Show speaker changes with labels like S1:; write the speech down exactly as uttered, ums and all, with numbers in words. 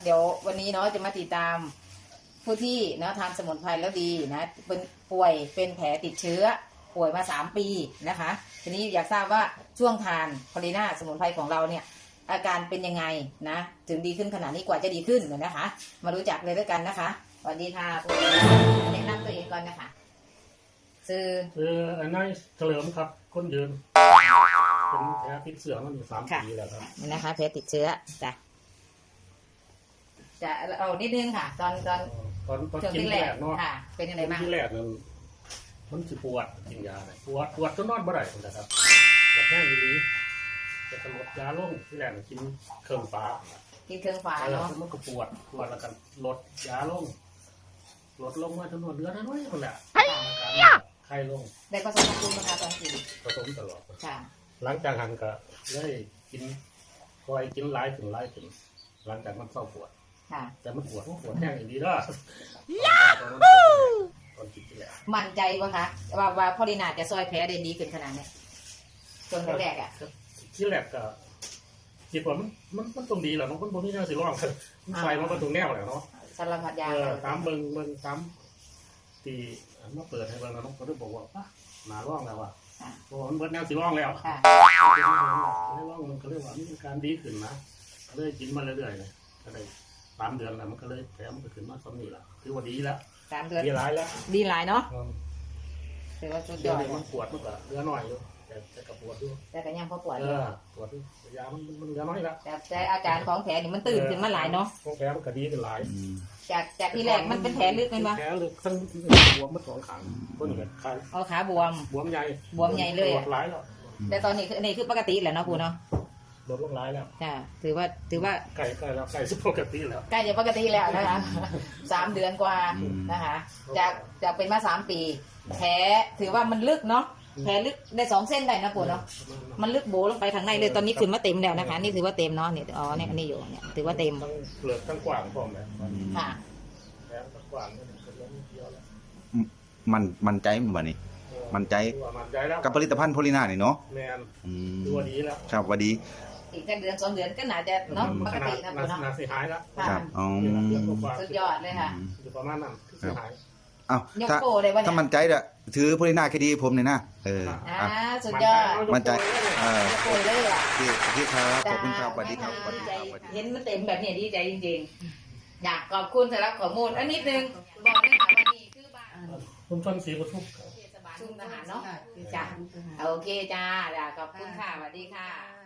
S1: เดี๋ยววันนี้เนาะจะมาติดตามผู้ที่เนาะทานสมุนไพรแล้วดีนะเป็นป่วยเป็นแผลติดเชื้อป่วยมาสามปีนะคะทีนี้อยากทราบว่าช่วงทานพอลีน่าสมุนไพรของเราเนี่ยอาการเป็นยังไงนะถึงดีขึ้นขนาดนี้กว่าจะดีขึ้นนะคะ มารู้จักเลยด้วยกันนะคะสวัสดีค่ะคุณแนะนำตัวเองก่อนนะคะชื่อ
S2: คืออันนั้นเฉลิมครับคนยืนเป็นแผลติดเชื้อมันอยู่สามปีแล้วครับ
S1: นี่นะคะแผลติดเชื้อจ้ะจะเอานิดนึงค่ะตอนตอน
S2: ตอนตอนกินแรกเนาะ
S1: เป็นยังไงบ้าง
S2: ที่แรกนั้นมันจะปวดกินยาเลยปวดปวดจนนอนบ่ได้นะครับปวดแห้งดีจะกำหนดยาลงที่แรกกินเครื่องฟ้า
S1: กินเครื่องฟ้าเนาะ
S2: มันก็ปวดปวดแล้วกันลดยาลงลดลงมาจำนวนเดือนน้อยคนแหละไข้ลง
S1: ได้ผสมภูมินะคะตอนกิน
S2: ผสมตลอด
S1: ค่ะ
S2: หลังจากหันก็ได้กินคอยกินหลายถึงหลายถึงหลังจากมันเศร้าปวดแต่มันปวดมันปวดแห้งอย่างดีด้วยตอนกินที่แรก
S1: มั่นใจปะคะว่าว่าพอลีน่าจะซอยแผลได้ดีขึ้นขนาดนี้จนแรกอ่ะ
S2: ที่แรกก็คิดว่ามันมันมันตรงดีแหละมันมันไม่น่าสิร้องมันไฟมันก็ตรงแนวแหละเนาะ
S1: สารพัดยา
S2: ตามเบิ้งเบิ้งตามตีมาเปิดให้เบิ้งแล้วน้องก็ได้บอกว่าป่ะหนาร้องแล้วว่ะเพราะมันเบิ้งแนวสิร้องแล้วไม่ร้องมันก็เรียกว่ามีการดีขึ้นนะเลยกินมาเรื่อยๆเลยก็เลยสามเดือนแล้วมันก็เลยแผลมันก็ขึ้นมาสองนี่แหละคือว่าดีแล้ว
S1: สามเดือน
S2: ดีหลายแล้ว
S1: ดีหลายเนาะถือว่าสุดยอด
S2: มันปวดมันก็เหลือหน่อยอยู่แต่แต่กับปวดด้วย
S1: แต่ก็ยังพอปวด
S2: อยู่ปวดด้วยยามันมันเหลือน้อยแล้ว
S1: แต่แต่อาการของแผลนี่มันตื่นขึ้นมาหลายเนาะ
S2: ของแผลมันก็ดีขึ้นหลาย
S1: จากจากที่แรกมันเป็นแผลลึกไหมวะ
S2: แผลลึกทั้งบวมมันสองขางก้นเห็ดไข้
S1: เอาขาบวม
S2: บวมใหญ่
S1: บวมใหญ่เลย
S2: ปวดหลายแล้ว
S1: แต่ตอนนี้คือนี่คือปกติแหละเนาะปูเนาะ
S2: ลดลงร้ายแล้ว
S1: จ้าถือว่าถือว่า
S2: ใกล้ใกล้แล้วใกล้จะปกติแล้ว
S1: ใกล้จะปกติแล้วนะคะสามเดือนกว่านะคะจากจากเป็นมาสามปีแผลถือว่ามันลึกเนาะแผลลึกได้สองเส้นได้นะปูเนาะมันลึกโบลงไปทางในเลยตอนนี้ขึ้นมาเต็มแล้วนะคะนี่ถือว่าเต็มเนาะนี่อ๋อเนี่ยอันนี้อยู่เนี่ยถือว่าเต็ม
S2: เปลือกทั้งกว้างพร้อมเลย
S1: ค่ะ
S2: แผลทั้งกว้างนี่มันก็ล้มเยอะแล้ว
S3: มันมันใจมันวันนี้มันใจกับผลิตภัณฑ์โพลีน่านี่เนาะ
S2: แมนตัวดีแล้ว
S3: ครับวันดี
S1: อีกแค่เดือนสองเดือนก็น่าจะเนาะปกตินะปูเนาะ
S2: น่าสิหายแล้ว
S3: ครับอ๋อ
S1: สุดยอดเลยค่ะ
S2: อยู่ประมาณนั้นสิหาย
S3: อ้าวถ้าถ้ามันใจเด้อถือโพลีน่าแค่ดีผมเนี่ยนะเออ
S1: อ่าสุดยอด
S3: มันใจเออ
S1: โอยเลยอ่ะ
S3: พี่พี่ครับขอบคุณครับสวัสดีครับสวัสดีครับ
S1: เห็นมันเต็มแบบนี้ดีใจจริงๆอยากขอบคุณสำหรับข้อมูลอันนิดนึงบอกได้ค่ะว่านี่คือบ้าน
S2: คุณชนศรีปทุม
S1: ชุมทหารเนาะจ้าโอเคจ้าขอบคุณค่ะสวัสดีค่ะ